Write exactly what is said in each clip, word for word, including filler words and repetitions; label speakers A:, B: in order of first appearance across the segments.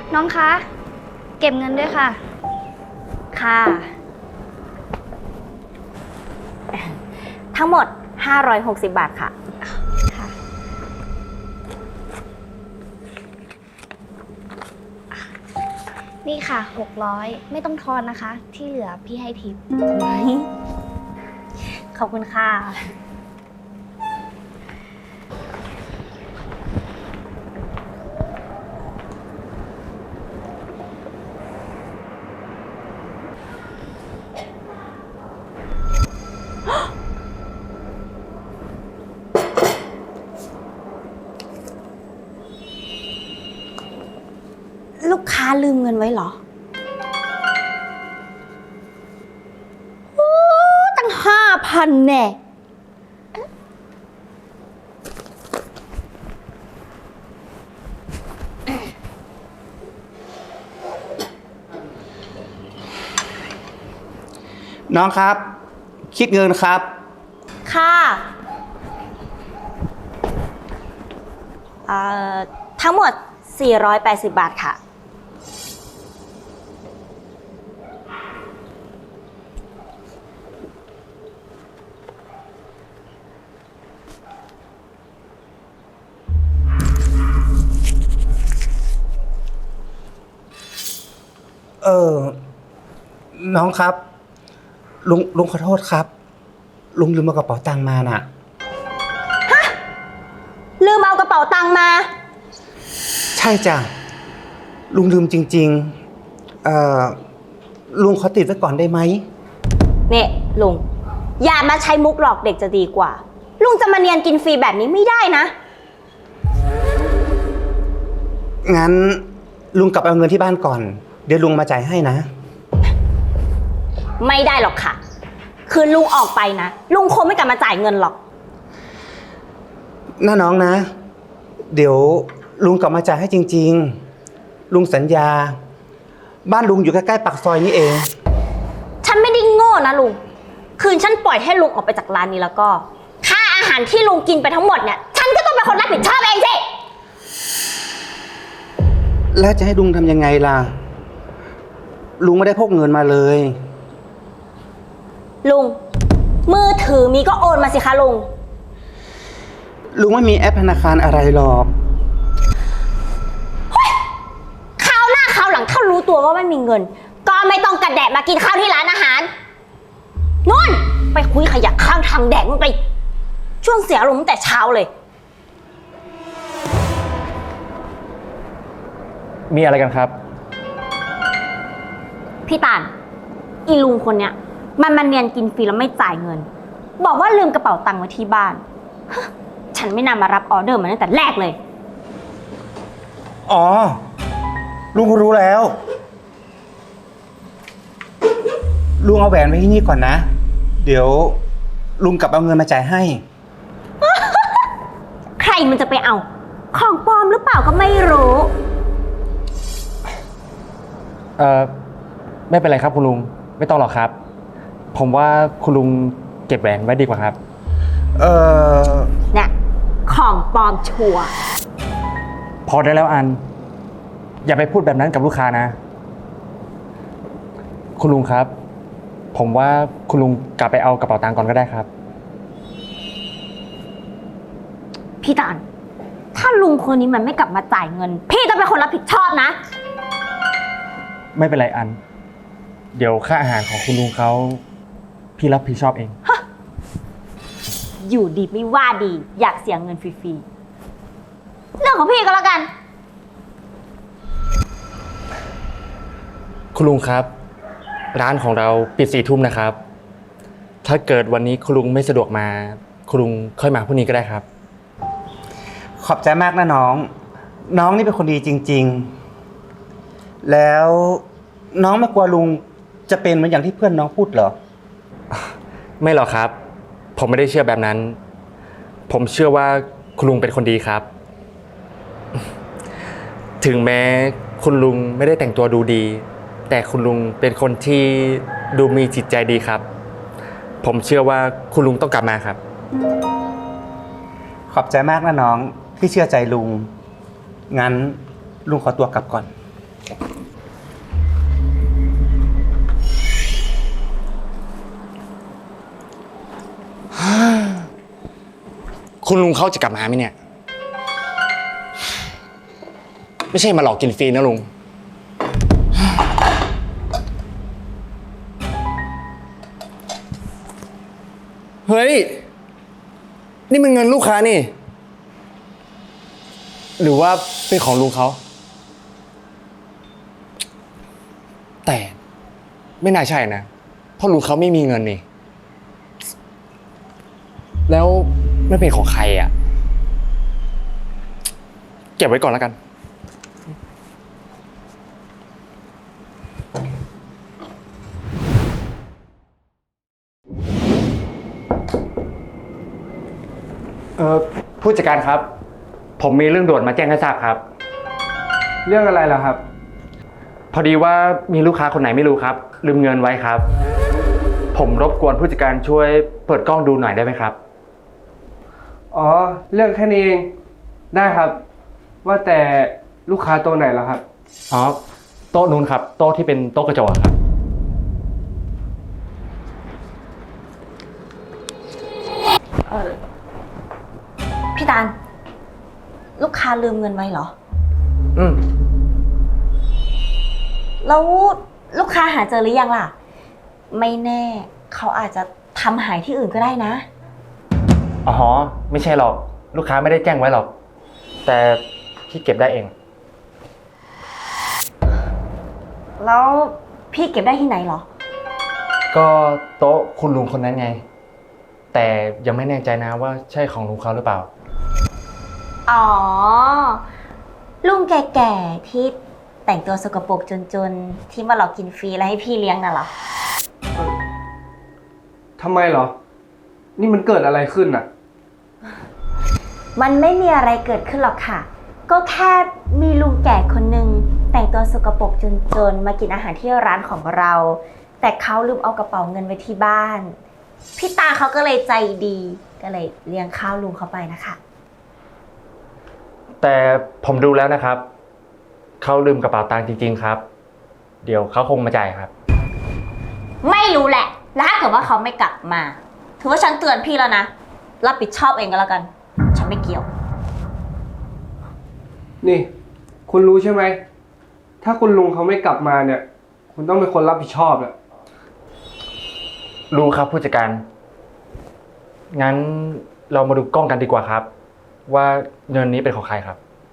A: น้องคะ เก็บเงินด้วยค่ะ
B: ค่ะ ทั้งหมดห้าร้อยหกสิบบาทค่ะ
A: ค่ะ นี่ค่ะหกร้อยไม่ต้องทอนนะคะ ที่เหลือพี่ให้ทิป
B: ขอบคุณค่ะ ลูกค้าลืมเงินไว้เหรอโอ้ตั้งห้าพันแน่
C: น้องครับ คิดเงินครับ
B: ค่ะเอ่อทั้งหมดสี่ร้อยแปดสิบบาทค่ะ
C: เออน้องครับ ลุงลุงขอโทษครับ ลุงลืมเอากระเป๋าตังค์มาน่ะ
B: ลืมเอากระเป๋าตังค์มา
C: ใช่จ้ะลุงลืมจริงๆเอ่อลุงขอติดไว้ก่อนได้ไหม
B: เนี่ยลุงอย่ามาใช้มุกหลอกเด็กจะดีกว่า ลุงจะมาเนียนกินฟรีแบบนี้ไม่ได้นะ
C: งั้นลุงกลับเอาเงินที่บ้านก่อน เดี๋ยวลุงมาจ่ายให้นะ
B: ไม่ได้หรอกค่ะ คือลุงออกไปนะลุงคงไม่กลับมาจ่ายเงินหรอก
C: น้าน้องนะ เดี๋ยวลุงกลับมาจ่ายให้จริงๆ ลุงสัญญา บ้านลุงอยู่ใกล้ๆปากซอยนี้เอง
B: ฉันไม่ได้โง่นะลุง คืนฉันปล่อยให้ลุงออกไปจากร้านนี้แล้วก็ ค่าอาหารที่ลุงกินไปทั้งหมดเนี่ย ฉันก็ต้องเป็นคนรับผิดชอบเองสิ
C: แล้วจะให้ลุงทำยังไงล่ะ ลุงไม่ได้พกเงินมาเลย
B: ลุง มือถือมีก็โอนมาสิคะลุง
C: ลุงไม่มีแอปธนาคารอะไรหรอก
B: คราวหน้าคราวหลังถ้ารู้ตัวว่าไม่มีเงิน ก็ไม่ต้องกระแดะมากินข้าวที่ร้านอาหารนู่นไปคุยขยะข้างทางแดกมันไป ช่วงเสียอารมณ์ตั้งแต่เช้าเลย
D: มีอะไรกันครับ
B: พี่ตาลอีลุงคนเนี้ยมันมาเนียนกินฟรีแล้วไม่จ่ายเงิน บอกว่าลืมกระเป๋าตังค์ไว้ที่บ้านฮะฉันไม่น่ามารับออเดอร์มันตั้งแต่แรกเลย
C: อ๋อ ลุงรู้แล้ว ลุงเอาแหวนไว้ที่นี่ก่อนนะ เดี๋ยวลุงกลับเอาเงินมาจ่ายให้
B: ใครมันจะไปเอา ของปลอมหรือเปล่าก็ไม่รู้
D: เอ่อ ไม่เป็นไรครับคุณลุง ไม่ต้องหรอกครับ ผมว่าคุณลุงเก็บแหวนไว้ดีกว่าครับ
C: เออ
B: เนี่ยของปลอมชัวร์
D: พอได้แล้วอัน อย่าไปพูดแบบนั้นกับลูกค้านะ คุณลุงครับ ผมว่าคุณลุงกลับไปเอากระเป๋าตังค์ก่อนก็ได้ครับ
B: พี่ตาลถ้าลุงคนนี้มันไม่กลับมาจ่ายเงิน พี่ต้องเป็นคนรับผิดชอบนะ
D: ไม่เป็นไรอัน เดี๋ยวค่าอาหารของคุณลุงเขาพี่รับผิดชอบเอง
B: อยู่ดีไม่ว่าดีอยากเสียเงินฟรีๆเรื่องของพี่ก็แล้วกัน
D: คุณลุงครับ ร้านของเราปิดสี่ทุ่มนะครับ ถ้าเกิดวันนี้คุณลุงไม่สะดวกมา คุณลุงค่อยมาพรุ่งนี้ก็ได้ครับ
C: ขอบใจมากนะน้อง น้องนี่เป็นคนดีจริงๆ แล้วน้องไม่กลัวลุงจะเป็นเหมือนอย่างที่เพื่อนน้องพูดเหรอ
D: ไม่หรอกครับ ผมไม่ได้เชื่อแบบนั้น ผมเชื่อว่าคุณลุงเป็นคนดีครับ ถึงแม้คุณลุงไม่ได้แต่งตัวดูดี แต่คุณลุงเป็นคนที่ดูมีจิตใจดีครับ ผมเชื่อว่าคุณลุงต้องกลับมาครับ
C: ขอบใจมากนะน้องที่เชื่อใจลุง งั้นลุงขอตัวกลับก่อน
D: คุณลุงเขาจะกลับมาไหมเนี่ย ไม่ใช่มาหลอกกินฟรีนะลุง เฮ้ย นี่มันเงินลูกค้านี่ หรือว่าเป็นของลุงเขา แต่ไม่น่าใช่นะ เพราะลุงเขาไม่มีเงินนี่ แล้วไม่เป็นของใครอ่ะ เก็บไว้ก่อนแล้วกัน เออผู้จัดการครับ ผมมีเรื่องด่วนมาแจ้งให้ทราบครับ
E: เรื่องอะไรล่ะครับ
D: พอดีว่ามีลูกค้าคนไหนไม่รู้ครับ ลืมเงินไว้ครับ ผมรบกวนผู้จัดการช่วยเปิดกล้องดูหน่อยได้ไหมครับ
E: อ๋อ เรื่องแค่นี้เอง ได้ครับ ว่าแต่ลูกค้าตัวไหนล่ะครับ
D: อ๋อ โต๊ะนู้นครับ โต๊ะที่เป็นโต๊ะกระจกอะครับ
B: เออพี่ตาลลูกค้าลืมเงินไว้เหรอ
D: อืม
B: แล้วลูกค้าหาเจอหรือยังล่ะ ไม่แน่เขาอาจจะทำหายที่อื่นก็ได้นะ
D: อ๋อ ไม่ใช่หรอก ลูกค้าไม่ได้แจ้งไว้หรอก แต่พี่เก็บได้เอง
B: แล้วพี่เก็บได้ที่ไหนเหรอ
D: ก็โต๊ะคุณลุงคนนั้นไง แต่ยังไม่แน่ใจนะว่าใช่ของลุงเขาหรือเปล่า
B: อ๋อ ลุงแก่ๆที่แต่งตัวสกปรกจนๆที่มาหลอกกินฟรีแล้วให้พี่เลี้ยงน่ะเหรอ
E: ทำไมเหรอ นี่มันเกิดอะไรขึ้นอ่ะ
B: มันไม่มีอะไรเกิดขึ้นหรอกค่ะ ก็แค่มีลุงแก่คนหนึ่งแต่งตัวสกปรกจนๆมากินอาหารที่ร้านของเรา แต่เขาลืมเอากระเป๋าเงินไว้ที่บ้าน พี่ตาเขาก็เลยใจดี ก็เลยเลี้ยงข้าวลุงเขาไปนะคะ
D: แต่ผมดูแล้วนะครับ เขาลืมกระเป๋าตังค์จริงๆครับ เดี๋ยวเขาคงมาจ่ายครับ
B: ไม่รู้แหละ แล้วถ้าเกิดว่าเขาไม่กลับมา ถือว่าฉันเตือนพี่แล้วนะ รับผิดชอบเองก็แล้วกัน ฉันไม่เกี่ยว
E: นี่ คุณรู้ใช่ไหม ถ้าคุณลุงเขาไม่กลับมาเนี่ย คุณต้องเป็นคนรับผิดชอบแหละ
D: รู้ครับผู้จัดการ งั้นเรามาดูกล้องกันดีกว่าครับ ว่าเงินนี้เป็นของใครครับ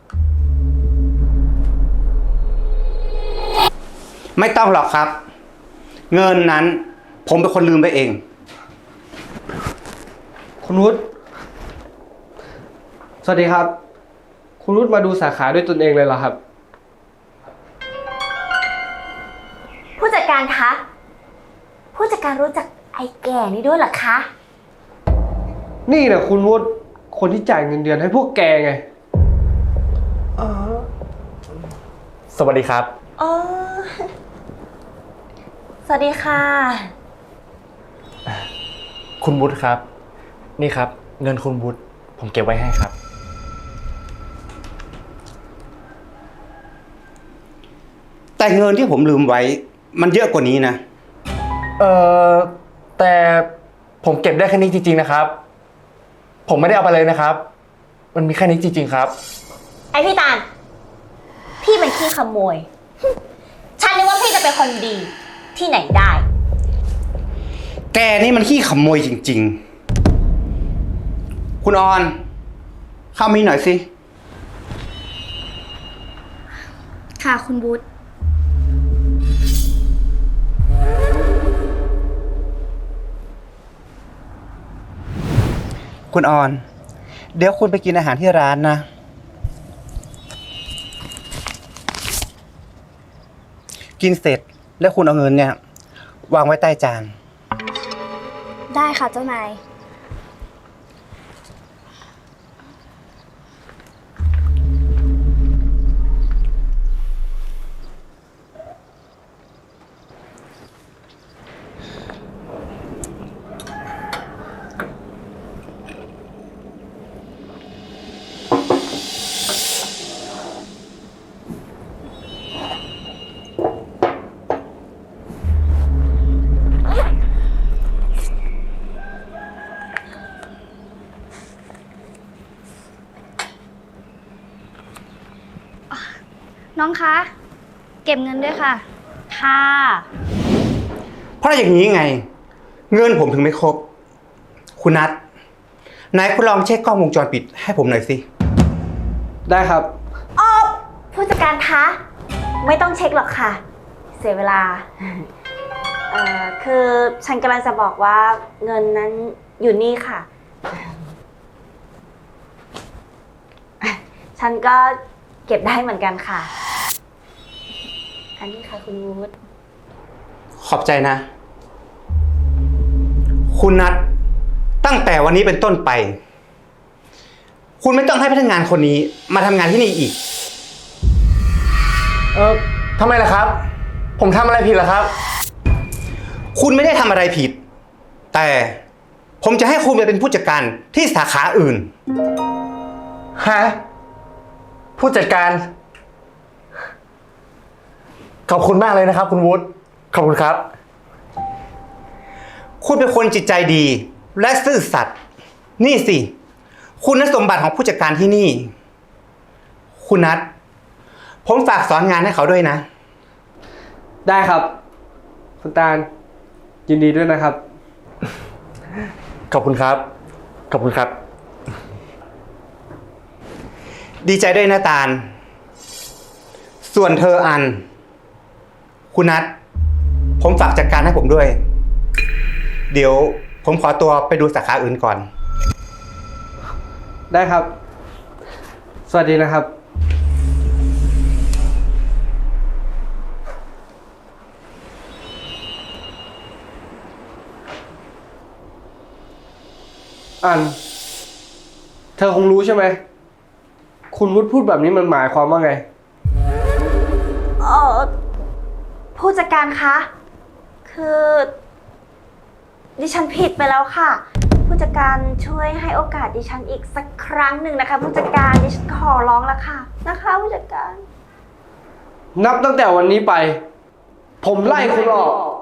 C: ไม่ต้องหรอกครับ เงินนั้นผมเป็นคนลืมไปเอง
E: คุณวุฒิสวัสดีครับ คุณวุฒิมาดูสาขาด้วยตนเองเลยเหรอครับ
B: ผู้จัดการคะ ผู้จัดการรู้จักไอ้แก่นี่ด้วยเหรอคะ
E: นี่แหละคุณวุฒิคนที่จ่ายเงินเดือนให้พวกแกไง
D: สวัสดีครับ
B: อ๋อ สวัสดีค่ะ
D: คุณวุฒิครับ นี่ครับ เงินคุณวุฒิผมเก็บไว้ให้ครับ
C: แต่เงินที่ผมลืมไว้ มันเยอะกว่านี้นะ
D: เอ่อ แต่ผมเก็บได้แค่นี้จริงๆนะครับ ผมไม่ได้เอาไปเลยนะครับ มันมีแค่นี้จริงๆครับ
B: ไอพี่ตาล พี่เป็นขี้ขโมย ฉันนึกว่าพี่จะเป็นคนดีที่ไหนได้
C: แกนี่มันขี้ขโมยจริงๆ คุณออน เข้ามีหน่อยสิ
A: ค่ะคุณบุ๊ท
C: คุณออน เดี๋ยวคุณไปกินอาหารที่ร้านนะ กินเสร็จแล้วคุณเอาเงินเนี่ยวางไว้ใต้จาน
A: ได้ค่ะเจ้านาย
C: ค
A: น้องคะ เก็บเงินด้วยค่ะ
B: ค่ะ
C: เพราะอย่างนี้ไง เงินผมถึงไม่ครบ คุณนัทนายคุณลองเช็คกล้องวงจรปิดให้ผมหน่อยสิ
E: ได้ครับ
B: อ๋อผู้จัดการคะ ไม่ต้องเช็คหรอกค่ะ เสียเวลา เอ่อ คือฉันกำลังจะบอกว่าเงินนั้นอยู่นี่ค่ะ ฉันก็เก็บได้เหมือนกันค่ะ อันนี้ค่ะคุณวูด
C: ขอบใจนะ คุณนัทตั้งแต่วันนี้เป็นต้นไป คุณไม่ต้องให้พนักงานคนนี้มาทำงานที่นี่อีก
D: เออทำไมล่ะครับ ผมทำอะไรผิดล่ะครับ
C: คุณไม่ได้ทำอะไรผิด แต่ผมจะให้คุณไปเป็นผู้จัดการที่สาขาอื่น
D: ฮะ ผู้จัดการ ขอบคุณมากเลยนะครับ คุณวุฒิขอบคุณครับ
C: คุณเป็นคนจิตใจดีและซื่อสัตย์นี่สิ คุณสมบัติของผู้จัดการที่นี่ คุณนัทผมฝากสอนงานให้เขาด้วยนะ
E: ได้ครับ คุณตาล ยินดีด้วยนะครับ
D: ขอบคุณครับ ขอบคุณครับ
C: ดีใจด้วยนะตาล ส่วนเธออัน คุณนัทผมฝากจัดการให้ผมด้วย เดี๋ยวผมขอตัวไปดูสาขาอื่นก่อน
E: ได้ครับ สวัสดีนะครับ อัน เธอคงรู้ใช่ไหม คุณวุฒิพูดแบบนี้มันหมายความว่าไง
B: เออผู้จัดการคะ คือ ดิฉันผิดไปแล้วค่ะ ผู้จัดการช่วยให้โอกาสดิฉันอีกสักครั้งหนึ่งนะคะ ผู้จัดการดิฉันขอร้องแล้วค่ะนะคะผู้จัดการ
E: นับตั้งแต่วันนี้ไป ผมไล่คุณออก